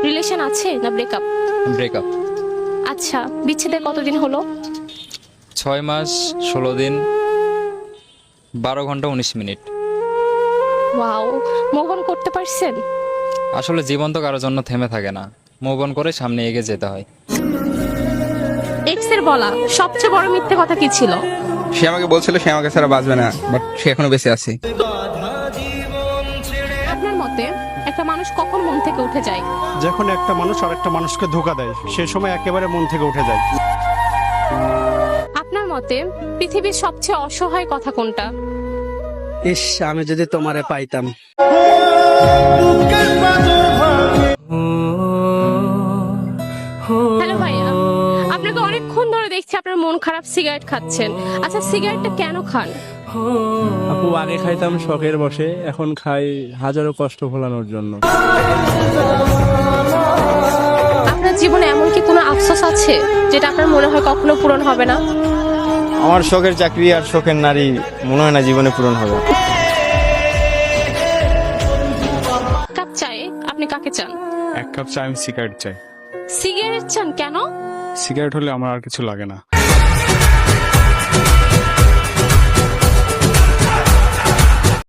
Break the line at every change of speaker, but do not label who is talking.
Relation আছে না breakup?
Breakup.
আচ্ছা, বিচ্ছেদের কতদিন হলো?
6 মাস 16 দিন 12 ঘন্টা 19 মিনিট।
ওয়াও, মুভ অন করতে পারছেন?
আসলে জীবন তো কারোর জন্য থেমে থাকে না, মুভ অন করে সামনে এগিয়ে যেতে হয়।
এক্স এর বলা সবচেয়ে বড় মিথ্যে কথা কি ছিল?
সে আমাকে বলছিল সে আমাকে ছাড়া বাঁচবে না, বাট সে এখনো বেঁচে আছে।
আপনার মতে একটা মানুষ কখন মন থেকে উঠে যায়?
যখন একটা মানুষ আরেকটা মানুষকে ধোঁকা দেয়, সে সময় একেবারে মন থেকে উঠে যায়।
আপনার মতে পৃথিবীর সবচেয়ে অসহায় কথা কোনটা?
ইস, আমি যদি তোমারে পাইতাম।
হ্যালো ভাইয়া, আপনাকে অনেকক্ষণ ধরে দেখছি আপনার মন খারাপ, সিগারেট খাচ্ছেন। আচ্ছা, সিগারেটটা কেন খান?
আপু, আগে খাইতাম শখের বসে, এখন খাই হাজারো কষ্ট ভোলানোর জন্য।
আপনার জীবনে এমন কি কোনো আফসোস আছে যেটা আপনার মনে হয় কখনো পূরণ হবে না?
আমার শখের চাকরি আর শখের নারী মনে হয় না জীবনে পূরণ হবে।
কাপ চায়ে আপনি কাকে চান?
1 কাপ চা আমি সিগারেট চাই।
সিগারেট চান কেন?
সিগারেট হলে আমার আর কিছু লাগে না।